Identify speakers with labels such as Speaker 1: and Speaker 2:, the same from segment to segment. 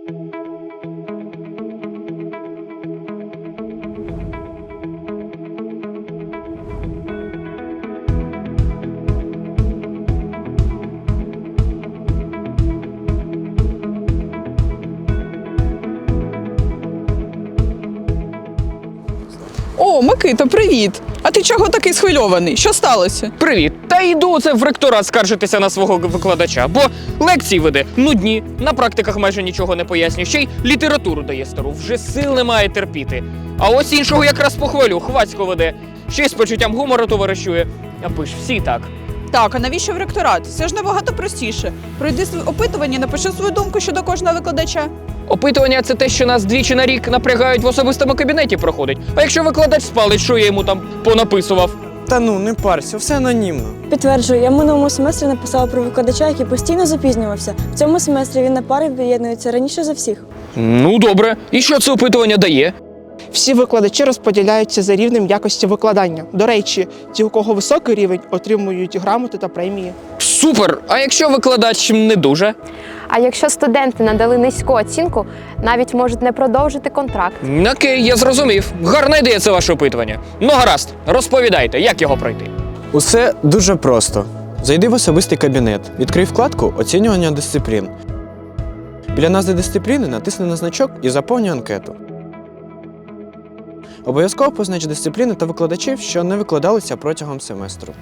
Speaker 1: О, Микита, привіт! А ти чого такий схвильований? Що сталося?
Speaker 2: Привіт! Та йду це в ректорат скаржитися на свого викладача, бо лекції веде нудні, на практиках майже нічого не пояснює, ще й літературу дає стару, вже сил немає терпіти. А ось іншого якраз похвалю, хвацько веде, ще й з почуттям гумору товаришує. Аби ж всі так.
Speaker 1: Так, а навіщо в ректорат? Це ж набагато простіше. Пройди опитування, напиши свою думку щодо кожного викладача.
Speaker 2: Опитування – це те, що нас двічі на рік напрягають в особистому кабінеті проходить. А якщо викладач спалить, що я йому там понаписував?
Speaker 3: Та ну, не парся, все анонімно.
Speaker 4: Підтверджую, я в минулому семестрі написала про викладача, який постійно запізнювався. В цьому семестрі він на пари приєднується раніше за всіх.
Speaker 2: Ну, добре. І що це опитування дає?
Speaker 5: Всі викладачі розподіляються за рівнем якості викладання. До речі, ті, у кого високий рівень, отримують грамоти та премії.
Speaker 2: Супер! А якщо викладач не дуже?
Speaker 6: А якщо студенти надали низьку оцінку, навіть можуть не продовжити контракт.
Speaker 2: Окей, я зрозумів. Гарна ідея це ваше опитування. Ну гаразд, розповідайте, як його пройти.
Speaker 3: Усе дуже просто. Зайди в особистий кабінет, відкрий вкладку «Оцінювання дисциплін». Біля назви дисципліни натисни на значок і заповнюй анкету. Обов'язково познач дисципліни та викладачів, що не викладалися протягом семестру.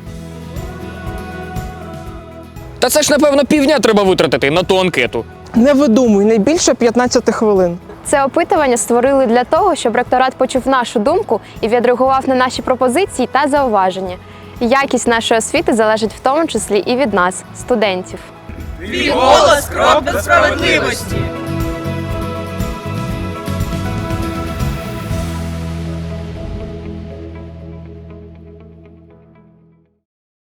Speaker 2: Та це ж, напевно, півдня треба витратити на ту анкету.
Speaker 5: Не видумуй, не більше 15 хвилин.
Speaker 6: Це опитування створили для того, щоб ректорат почув нашу думку і відреагував на наші пропозиції та зауваження. Якість нашої освіти залежить в тому числі і від нас, студентів.
Speaker 1: Твій голос – крок до справедливості!